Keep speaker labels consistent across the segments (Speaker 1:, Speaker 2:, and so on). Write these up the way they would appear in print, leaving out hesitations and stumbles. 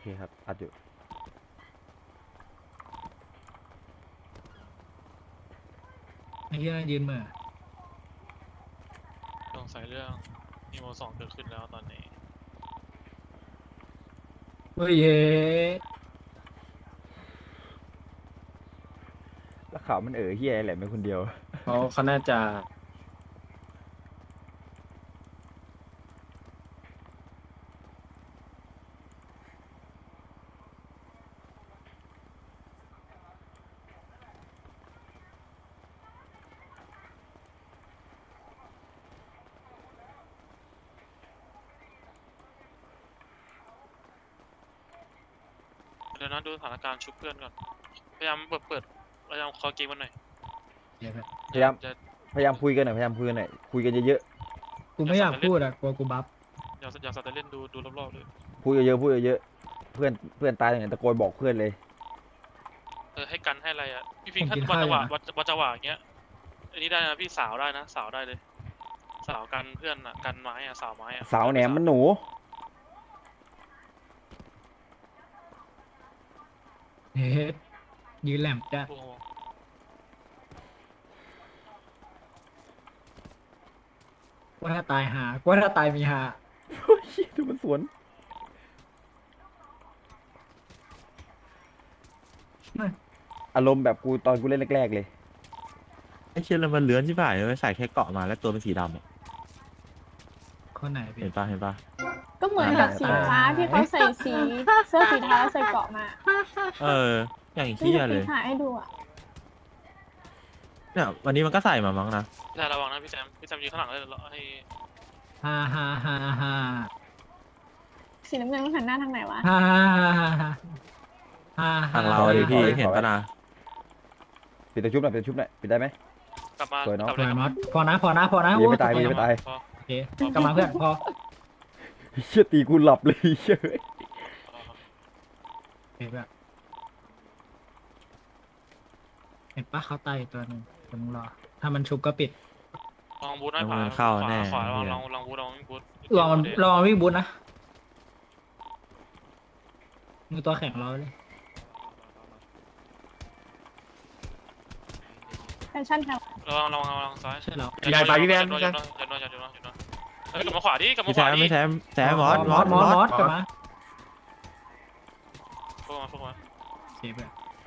Speaker 1: ครับอัดอยู่
Speaker 2: ไอ้เหี้ยยืนเหม่อ
Speaker 3: สงสัยเรื่องอีโม2เกิดขึ้นแล้วตอนนี้
Speaker 2: เฮ้ยเย้
Speaker 1: แล้วข่าวมันเฮียอะไรไม่คนเดียว
Speaker 2: เขาน่าจะ
Speaker 3: เดี๋ยวนะดูสถานการณ์ชุบเพื่อนก่อนพยายามพยายามคอเกมมันหน่อย
Speaker 2: เดี๋ยวแบบ
Speaker 1: พยายาม
Speaker 3: จะ
Speaker 1: พยายามคุยกันหน่อยพยายามคุยกันหน่อยคุยกันเยอะ
Speaker 2: กูไม่อยากพูดอะกลัวกูบัฟ
Speaker 3: อย่าสัตว์แต่เล่นดูรอบๆเลย
Speaker 1: ๆพูดเยอะๆพูดเยอะๆเพื่อนตายอย่างตะโกนบอกเพื่อนเลย
Speaker 3: ให้กันให้อะไรอ่ะพี่พิงค์ถ้าวันจังหวะอย่างเงี้ยอันนี้ได้นะพี่สาวได้นะสาวได้เลยสาวกันเพื่อนอ่ะกันไม้อ่ะสาวไม้อ่ะ
Speaker 1: สาวแหนมมันหนู
Speaker 2: เฮ้ยยืนแหลมจ้ะ
Speaker 3: โอ้โห
Speaker 2: ว่าถ้าตายหาว่าถ้าตายมีหา
Speaker 1: เฮ้ยดูมันสวนอารมณ์แบบกูตอนกูเล่นแรกๆเลย
Speaker 4: ไอ้เชี่ยแล้วมันเลื้อนใช่ป่ะไม่ใส่แค่เกาะมาแล้วตัวเป็นสีดำอะ
Speaker 2: คนไหนพี่
Speaker 4: เห็นป่ะเห็นป่ะ
Speaker 5: ก็เหมือนกับสีฟ้าที่เขาใส่สีเสื้อสีเทาแล้วใส่เกราะมา
Speaker 4: เออ อย่าง
Speaker 5: นี่
Speaker 4: เชี่ย
Speaker 5: จะ
Speaker 4: เล
Speaker 5: ปี
Speaker 4: ย
Speaker 5: ถ่ายให้ดูอ่ะ
Speaker 4: เนี่ยวันนี้มันก็ใส่มามั้งนะ
Speaker 3: แต่ระวังนะพี่แซมยืนข้างหลังเลยให้
Speaker 2: ฮ่าฮ่าฮ่าฮ่า
Speaker 5: สีน้ำเงินมันหันหน้าทางไหนวะ
Speaker 2: ฮ่าฮ่าฮ่าฮ่าฮ่า
Speaker 4: ทางเราดิพี่เห็นป่ะนะ
Speaker 1: ปิดตะชุบหน่อยปิดตะชุบหน่อยปิดได้ไหม
Speaker 3: กลับมา
Speaker 1: สวยเนอะ
Speaker 3: กลับ
Speaker 2: ส
Speaker 3: เล
Speaker 2: วย
Speaker 3: ย
Speaker 2: มอสพอนะพอนะพอนะ
Speaker 1: ยังไม่ตาย
Speaker 2: โอ้
Speaker 1: ยังไม่ตาย
Speaker 3: พอ
Speaker 2: โอเคกลับมาเพื่อนพอ
Speaker 1: เชี่ยตีกูหลับเลยเชย
Speaker 2: เห็นแบบเห็นปะเขาตายอยู่ตัวหนึ่งเดี๋ยวมึงรอถ้ามันชุบก็ปิด
Speaker 3: ลองบูทหน่อยขวา
Speaker 4: มันเข้าแน่
Speaker 3: ขวา
Speaker 4: เหี้ย
Speaker 3: ลองบูทลองบูท
Speaker 2: ลองลองวิ่งบุญนะมือตัวแข็งเราเลย
Speaker 5: แฟชั่นค่ะ
Speaker 3: ลองซ้าย
Speaker 2: ใช่แล้ว
Speaker 4: ใหญ่ไปพี่แบน
Speaker 3: อย่าโดนเฮ้ยกลับมาขวาดิกลับมา
Speaker 4: ไม่
Speaker 3: ขวา
Speaker 4: แซม
Speaker 3: ดิ
Speaker 4: ไม่แซมแซมมอส
Speaker 2: มอสกลับมา
Speaker 3: พวกมา
Speaker 2: เซฟแบบ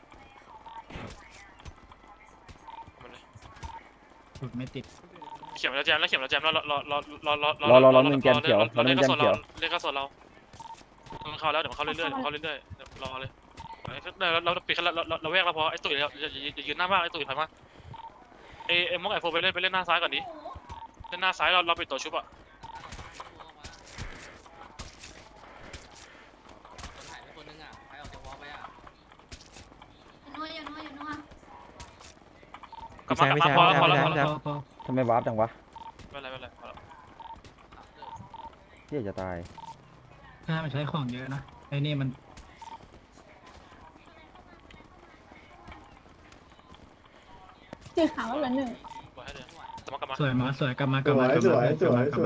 Speaker 3: มาเลย
Speaker 2: สุดไม่ติด
Speaker 3: เขียมแล้วแจมแล้ว
Speaker 1: รอหนึ่งแกนเขียวรอหนึ่งแกนเขียว
Speaker 3: เล่นกระสนเรามันเข้าแล้วเดี๋ยวมันเข้าเรื่อยๆรอเลยเราปิดเราแวกเราพอไอ้ตุ๋ยอย่ายืนหน้ามากไอ้ตุ๋ยถอยมาไอ้มอกไอ้โฟไปเล่นหน้าซ้ายก่อนดิเล่นหน้าซ้ายเราปิดตัวชุบอ่ะ กลับมาพอแล้ว
Speaker 2: พอ
Speaker 1: ทำไมวาร์ปจังวะ
Speaker 3: ไม่เป็นไรพอแล้ว
Speaker 1: เฮียจะตาย
Speaker 2: ถ้ามันใช้ของเยอะนะไอ้นี่มัน
Speaker 5: สีขาวก็เหลือหนึ่ง
Speaker 3: ปล่อยให้เลยกลับมา
Speaker 2: สวยมอสสวยกลับมาก
Speaker 6: ส
Speaker 2: ลับ
Speaker 6: ว
Speaker 2: มาย กลับ
Speaker 6: ส
Speaker 2: มา
Speaker 6: วยสวยสวย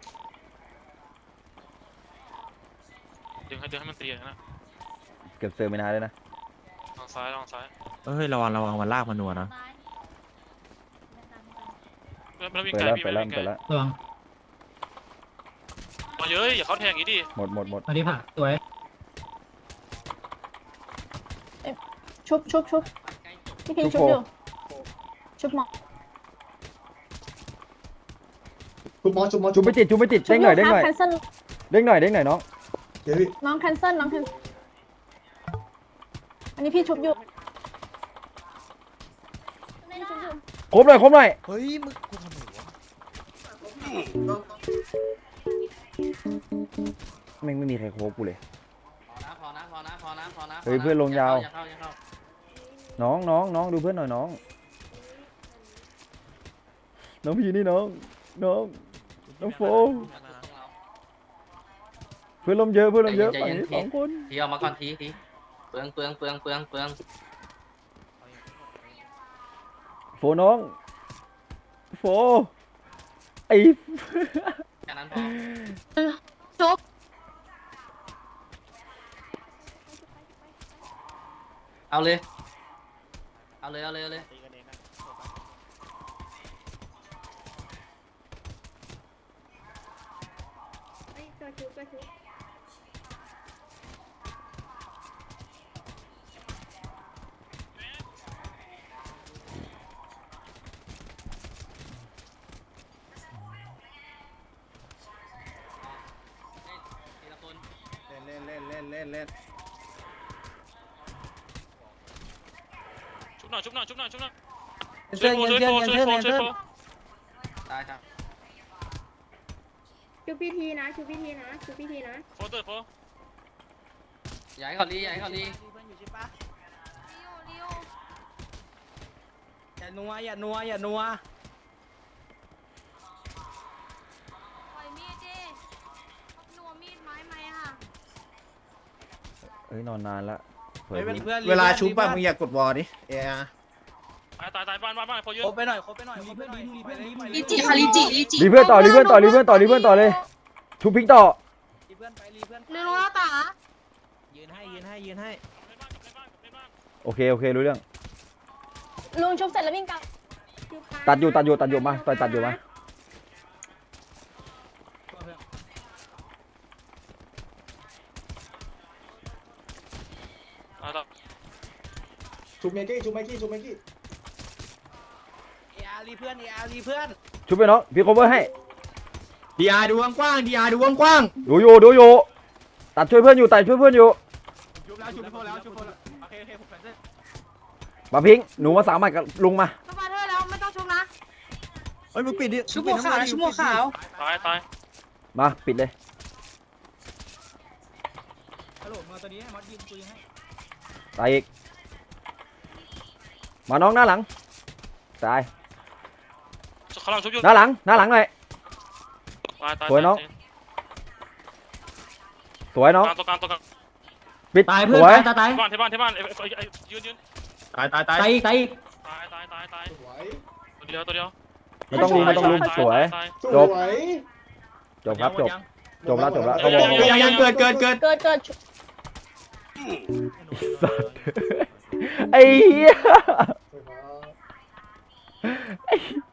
Speaker 3: ดึงให้มันตีนะ
Speaker 1: เก็บเซอร์ไม่นานเลยนะ
Speaker 3: ลองซ้าย
Speaker 4: เฮ้ยระวังมันลากมันนัวนะ
Speaker 3: ไม่วิ่ง
Speaker 1: เปิด
Speaker 3: ไกล
Speaker 1: แล้ว
Speaker 3: พี่
Speaker 1: เปิ
Speaker 3: ไม่
Speaker 1: ดแล้ว
Speaker 3: วิ่งไกล
Speaker 1: เปิดแล้ว
Speaker 2: ระวัง
Speaker 3: เยอะอย่าเขาแทงอย่างนี้ดิ
Speaker 1: หมด
Speaker 2: มาที่ผ่าสวย
Speaker 5: ชุบพี่พิงชุบอยู่ชุบหมอก
Speaker 6: ชุบมอสชุบมอส
Speaker 1: จุ๊บไม่ติดเด้งหน่อย
Speaker 5: แคนเซิล
Speaker 1: เด้งหน่อยน้อง
Speaker 6: เดี๋ยวพี่
Speaker 5: น้องแคนเซิลอันนี้พี่ชุบอยู่พี่ชุบอยู่
Speaker 1: ครบหน่อย
Speaker 7: เฮ้ยมึงกูทำไมวะ
Speaker 1: แม่งไม่มีใครโคบกูเลย
Speaker 8: พอนะ
Speaker 1: เฮ้ยเพื่อนลงยาว
Speaker 8: อย่าเข้า
Speaker 1: น้องดูเพื่อนหน่อยน้องพี่นี่น้องโฟเพื่อนลมเยอะฝั่งนี้2 คน
Speaker 8: ทีเอามาก่อนทีเปลือง
Speaker 1: โฟน้องโฟไอ
Speaker 8: แค่นั้นพอ
Speaker 5: ชุบ
Speaker 8: เอาเลยเอาเลยเอาเลยเอาเลย ทีละคน
Speaker 7: เล่น
Speaker 3: ชุบหน่อยชุบหน่อยชุบหน่อยชุบหน่อย
Speaker 7: เพื่อนเพื่อนเพื่อนเพื่อน
Speaker 8: ตายครับ
Speaker 5: ชุบพิธีนะชุบพิธีนะชุบพิธีนะ
Speaker 3: โฟเตอร์โฟ
Speaker 8: อย่าให้เขาลีอย่าให้เขาลี
Speaker 7: เพื่อนอยู่ใช่ปะอย่านัวอย่านัวอย่านัว
Speaker 9: ปล่อยมีดดินัวมีดไม้ไหมอ่ะ
Speaker 1: เอ้ยนอนนานละเผย
Speaker 7: เวลาชุบป่ะมึงอย่ากดวอลดิเออ
Speaker 3: ตายบ้านโฟเยอะ
Speaker 7: ครบไปหน่อยครบไปหน่อยเพื่อนดีเพื่อนดี
Speaker 9: ลิจิค่ะลิจิ
Speaker 1: รีเพื่อนต่อรีเพื่อนต่อรีเพื่อนต่อรีเพื่อนต่อเลยชุบพิงต่อ
Speaker 7: รีเพื่อนไปรีเพื่อน
Speaker 9: ลืมแล้วตา
Speaker 7: ยืนให้
Speaker 1: โอเครู้เรื่อง
Speaker 5: ลุงชุบเสร็จแล้ววิ่งกลับ
Speaker 1: ตัดอยู่มาต่อยตัดอยู่มา
Speaker 6: ชุบเมกี้ชุบเมกี้ชุบเมกี้
Speaker 7: เออารีเพื่อนเออารีเพื่อน
Speaker 1: ชุบไปน้องพี่โคเวอร์ให้
Speaker 7: ดีอาร์ดูกว้างดีอาร์ดูกว้าง
Speaker 1: ดูอยู่ตัดช่วยเพื่อนอยู่ชุบแล้ว
Speaker 7: ชุบแล้วโอเคผมแฟนเซอร์
Speaker 1: มาพิงหนูมาสามารถกับลุงมา
Speaker 9: สปาเธอร์แล้วไม่ต้องชุบนะ
Speaker 7: เฮ้ยมึงปิดดิ
Speaker 8: ชุบหัวขาวชุบหัวขาว
Speaker 3: ตาย
Speaker 1: มาปิดเลย
Speaker 7: ฮัลโหลมาตัวนี้ให้มอสยิงปืนให้
Speaker 1: ตายอีกมาน้องหน้าหลังตาย
Speaker 3: เขาลังชุบอยู่
Speaker 1: หน้าหลังหน่อย
Speaker 3: ตาย
Speaker 1: สวยน้อง สวยน้อง
Speaker 3: ตัวกลาง
Speaker 1: ปิด
Speaker 2: ตาย
Speaker 1: ส
Speaker 2: เพื่อน
Speaker 1: วย
Speaker 2: ตาย
Speaker 3: ที่บ้านยืน
Speaker 7: ตาย
Speaker 2: ตายอีก
Speaker 3: ตาย
Speaker 6: สวย
Speaker 3: ตัวเดียว
Speaker 1: ไม่ต้องลุมสวย
Speaker 6: ส
Speaker 1: จบ
Speaker 6: วย
Speaker 1: จบครับจบแล้วเขาบอก
Speaker 7: ยังเกิด
Speaker 5: เกิด
Speaker 1: ไอ้เหี้ย
Speaker 6: สวยครับ
Speaker 1: ไอ้